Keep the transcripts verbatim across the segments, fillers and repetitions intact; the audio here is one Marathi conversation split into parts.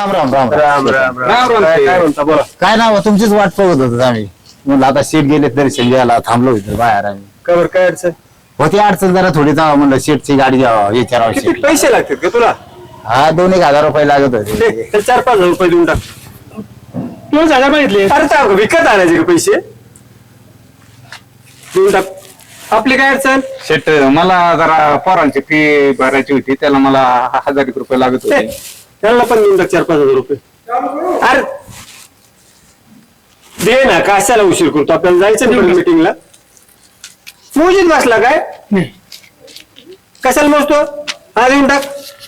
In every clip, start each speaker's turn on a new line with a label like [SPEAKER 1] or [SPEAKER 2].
[SPEAKER 1] राम राम राम
[SPEAKER 2] राम राम
[SPEAKER 3] राम राम.
[SPEAKER 2] काय म्हणता बोला.
[SPEAKER 1] काय नाव तुमचीच वाट बघत होतो आम्ही म्हणलं आता शेट गेले दर्शन घ्यायला थांबलो इथं बाहेर आम्ही
[SPEAKER 2] कवर काय अडचण
[SPEAKER 1] होती अडचण जरा थोडी जावं म्हणलं शेटची गाडी जावं विचारावं
[SPEAKER 2] किती
[SPEAKER 1] शेटला.
[SPEAKER 2] पैसे लागतात का तुला
[SPEAKER 1] हा दोन एक हजार रुपये लागत होते
[SPEAKER 2] दे, तर चार पाच हजार रुपये देऊन टाक.
[SPEAKER 3] दोन हजार मागितले.
[SPEAKER 2] अरे तर विकत आणायचे का पैसे देऊन टाक. आपली काय अडचण
[SPEAKER 3] शेट मला जरा पोरांची फी भरायची होती त्याला मला हजार एक रुपये लागत
[SPEAKER 2] दे,
[SPEAKER 3] होते.
[SPEAKER 2] त्यांना पण देऊन टाक चार पाच हजार रुपये. अरे दे ना कशाला उशीर करतो आपल्याला जायचं नाही मिटिंगला. मोजीत बसला काय कशाला मोजतो हा देऊन टाक.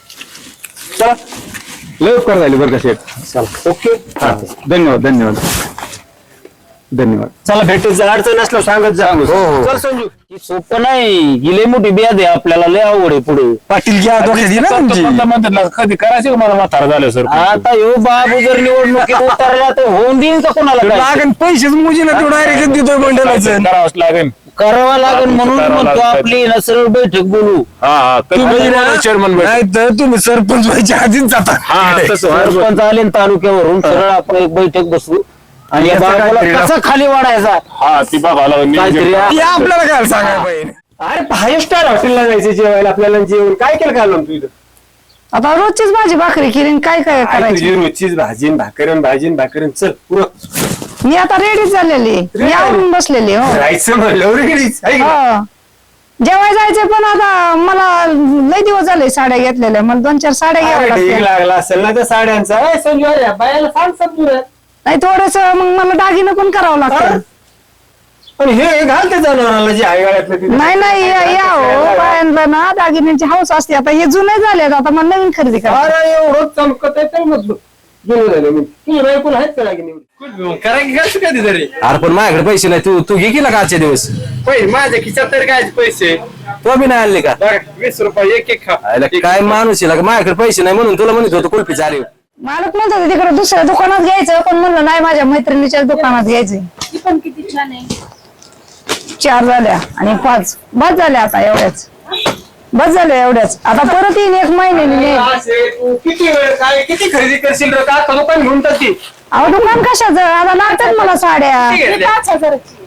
[SPEAKER 2] चला
[SPEAKER 3] लवकर झाली बरं का शेट.
[SPEAKER 2] चला ओके
[SPEAKER 3] हा, धन्यवाद धन्यवाद धन्यवाद.
[SPEAKER 2] चला भेटत अडचण असलं सांगत जा.
[SPEAKER 1] हो, हो.
[SPEAKER 2] चल संजू
[SPEAKER 4] सोपं नाही गेले मोठी बियाद आहे आपल्याला लय आवड आहे पुढे
[SPEAKER 5] पाटील घ्या डोक्यात ना तुमची
[SPEAKER 3] म्हणतात कधी करायचे का मला म्हातारा झालं सर.
[SPEAKER 4] आता ह्यो बाबू जर निवडणुकीत उतरला तर होऊन देईन का कोणाला काय?
[SPEAKER 5] लागन पैसेच मुजी ना तू डायरेक्ट देतोय मंडळाचं
[SPEAKER 3] करावंच लागेल.
[SPEAKER 4] करावं लागेल म्हणून
[SPEAKER 3] करावं
[SPEAKER 4] म्हणतो
[SPEAKER 3] लागेल.
[SPEAKER 4] आपली ना सरळ बैठक बोलू.
[SPEAKER 3] हा हा
[SPEAKER 5] तुम्ही ना-
[SPEAKER 3] चेअरमन
[SPEAKER 5] नाही तर तुम्ही सरपंच व्हायच्या आधीच जाता
[SPEAKER 3] हा तसं व्हायला बरं.
[SPEAKER 4] सरपंच आले न तालुक्यावरून सरळ आपण एक बैठक बसू आणि या
[SPEAKER 5] याचं काय
[SPEAKER 4] बाबाला
[SPEAKER 5] तरी
[SPEAKER 4] कसा खाली वाढायचा
[SPEAKER 3] हा ती बाबाला
[SPEAKER 4] काहीतरी
[SPEAKER 5] ती आपल्याला काय सांगायला पाहिजे.
[SPEAKER 2] अरे फाईव्ह स्टार हॉटेलला जायचं जेवायला आपल्याला जेवण काय केलं काय तू इथं
[SPEAKER 6] आता रोजचीच भाजी भाकरी केली आणि काय काय
[SPEAKER 2] काय
[SPEAKER 6] करायची
[SPEAKER 2] तुझी रोजचीच भाजीन भाकरन भाजीन भाकरन चल पुरं
[SPEAKER 6] मी आता रेडीच झालेली मी आवरून बसलेली हो
[SPEAKER 2] राहायचं म्हणलं रेडीच आहे का?
[SPEAKER 6] हो. जेवाय जायचे पण आता मला लय दिवस झाले साड्या घेतलेल्या मला दोन चार साड्या
[SPEAKER 2] अरे
[SPEAKER 6] घ्याव्या
[SPEAKER 2] ढीग
[SPEAKER 6] लागल्या
[SPEAKER 2] लागला असेल ना त्या साड्यांचा ए, संजू अरे बायाला सांग समजू रे.
[SPEAKER 6] नाही थोडस मग मला दागिनं पण करावं लागतं
[SPEAKER 2] पण हे घाल ते जनावराला जे आहे गाड्यातलं ते.
[SPEAKER 6] नाही नाही या या हो बायांना ना दागिन्यांची हौस असते आता हे जुने झाले आता मला नवीन खरेदी करा
[SPEAKER 2] अरे एवढं चमकत आहे तर मग जुनं झालं मग तुझ्या बायकोला आहेत का दागिने करा की कसं कधी तरी
[SPEAKER 5] अरे पण माझ्याकडे पैसे नाही तू तू घे केला का आजचे दिवस
[SPEAKER 2] पैसे माझ्या खिशात तरी काय पैसे
[SPEAKER 5] तो बी नाही आणले का
[SPEAKER 2] बघ, वीस रुपये एक एक खा
[SPEAKER 5] आयला काय माणूस आहे का माझ्याकडे पैसे नाही म्हणून तुला म्हणत होतो कुल्फी चालेल
[SPEAKER 6] मालक म्हणत होते तिकडे दुसऱ्या दुकानात घ्यायचं पण म्हणलं नाही माझ्या मैत्रिणीच्या दुकानात घ्यायचंय
[SPEAKER 7] ती पण किती छान आहे.
[SPEAKER 6] चार झाल्या आणि पाच बस झाल्या आता एवढ्याच बस झाल्या एवढ्याच आता परत येईन एक महिन्याने
[SPEAKER 2] असे तू किती वेळ काय किती खरेदी करशील रे का दुकान घेऊन टाकतील
[SPEAKER 6] अहो दुकान कशाचं आता लागतात मला साड्या
[SPEAKER 7] ती पाच हजाराची.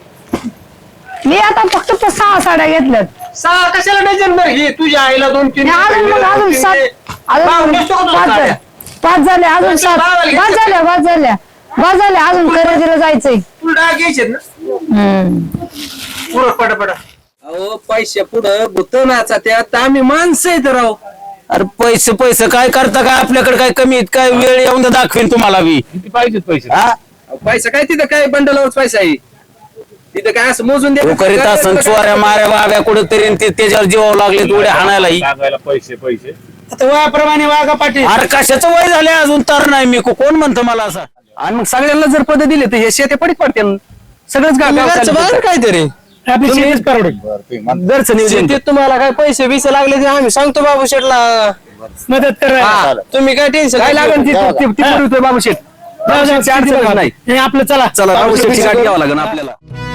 [SPEAKER 6] मी आता फक्त त्या सहा साड्या घेतल्यात
[SPEAKER 2] सहा कशाला डझन बरं ही तुझ्या आईला दोन तीन
[SPEAKER 6] आणि अजून मग अजून सात अजून पाच झाल्या पाच झाल्या अजून सात बस झाल्या बस झाल्या बस झाल्या अजून खरेदीला जायचंय
[SPEAKER 2] तुला डाग घ्यायचे ना
[SPEAKER 6] हम्म
[SPEAKER 2] पुरं पटापटा
[SPEAKER 5] अहो पैसे पुढं भूत नाचा त्यात आम्ही माणसं आहेत राव
[SPEAKER 4] अरे पैसे पैसे काय करता काय आपल्याकडे काय कमी आहेत काय वेळ येऊन तर दाखवेन तुम्हाला बी.
[SPEAKER 3] किती पाहिजेत पैसे
[SPEAKER 4] हा
[SPEAKER 5] पैसा काय तिथं काय बंडलावरच पैसा आहे तिथं काय असं मोजून
[SPEAKER 4] तो करीत असं चोऱ्या माऱ्या बाब्या कुठेतरी ते त्याच्यावर जीवावं लागले थोडे हाणायलाही.
[SPEAKER 3] लागायला पैसे पैसे
[SPEAKER 2] आता वयाप्रमाणे वागा पाटील
[SPEAKER 4] अरे कशाचं वय झाले अजून तर नाही मी को- कोण म्हणतो मला असं
[SPEAKER 5] आणि मग सगळ्यांना जर पद दिले तर हे शेते पडीत पडते सगळंच गाव काहीतरी
[SPEAKER 3] आपली शेतीच परवडेल.
[SPEAKER 5] घरचं नियोजन शेतीत तुम्हाला काय पैसे बिसे लागले ते आम्ही सांगतो बाबू शेठला
[SPEAKER 3] मदत करा.
[SPEAKER 5] तुम्ही काय टेन्शन काय लागेल ती- ती- ती पुरवतोय बाबू शेठ बाबू शेठची आठ दिवस नाही
[SPEAKER 3] हे आपलं चला
[SPEAKER 5] चला बाबू शेठची गाठ घ्यावं लागेल आपल्याला